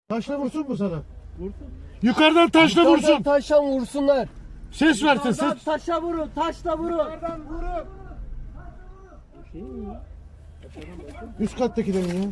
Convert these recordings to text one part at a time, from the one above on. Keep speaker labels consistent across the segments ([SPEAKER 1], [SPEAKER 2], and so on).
[SPEAKER 1] Taşla vursun mu sana?
[SPEAKER 2] Vursun.
[SPEAKER 1] Yukarıdan taşla vursun.
[SPEAKER 3] Taşla vursunlar.
[SPEAKER 1] Ses versin ses.
[SPEAKER 2] Taşla vurun, taşla vurun.
[SPEAKER 4] Vurun.
[SPEAKER 1] Üst kattakilerin ya.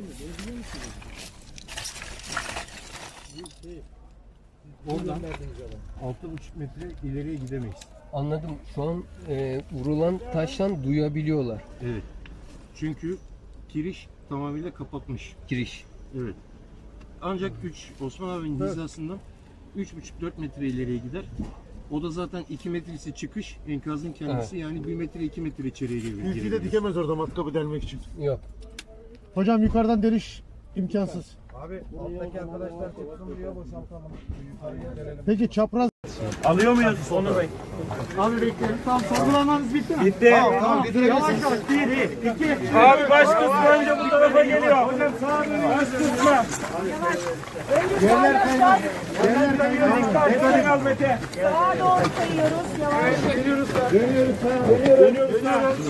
[SPEAKER 4] Oradan 6,5 metre ileriye gidemeyiz.
[SPEAKER 3] Anladım. Şu an vurulan taştan duyabiliyorlar
[SPEAKER 4] Evet. Çünkü giriş tamamıyla kapatmış.
[SPEAKER 3] giriş.
[SPEAKER 4] Evet. Ancak Osman abinin hizasından 3,5-4 metre ileriye gider. O da zaten 2 metresi çıkış, enkazın kendisi yani 1 metre 2 metre içeriye
[SPEAKER 1] Ülkeyi de
[SPEAKER 4] girebilir.
[SPEAKER 1] dikemez orada matkabı delmek için.
[SPEAKER 3] Yok.
[SPEAKER 1] Hocam yukarıdan deliş imkansız.
[SPEAKER 5] Abi alttaki arkadaşlar tutsun buraya boşaltalım. Yukarıya gelelim.
[SPEAKER 1] Peki çapraz.
[SPEAKER 2] Alıyor muyuz onu Bey? Abi bekleyelim. Tamam, sorgulamanız bitti mi? Bitti.
[SPEAKER 1] Tamam
[SPEAKER 2] Yavaş yavaş. 1, 2. Abi baş kısmı önce bu tarafa geliyor. Hocam sağa dönüyor. Baş kısmı.
[SPEAKER 1] yerler kaynar. Yerler kaynar.
[SPEAKER 2] Dikkat kal Mete.
[SPEAKER 6] Sağa doğru kayıyoruz. Yavaş.
[SPEAKER 2] Dönüyoruz.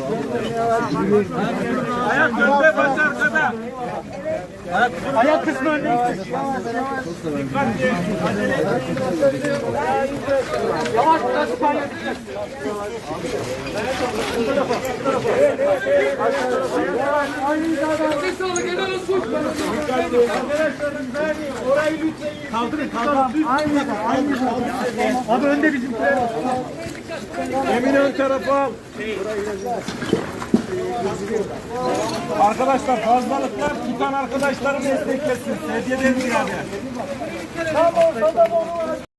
[SPEAKER 2] Ayak önde, baş arkada. Ayak kısmı önde. Dikkatli. Acele etmeyin. Yavaş biraz kayın. Orayı lütfen kaldırın. Aynı. Abi önde bizimkiler. Emin ön tarafa al. Arkadaşlar fazlalıklar tutan arkadaşlarım desteklesin. Hediye edin yani. Tamam.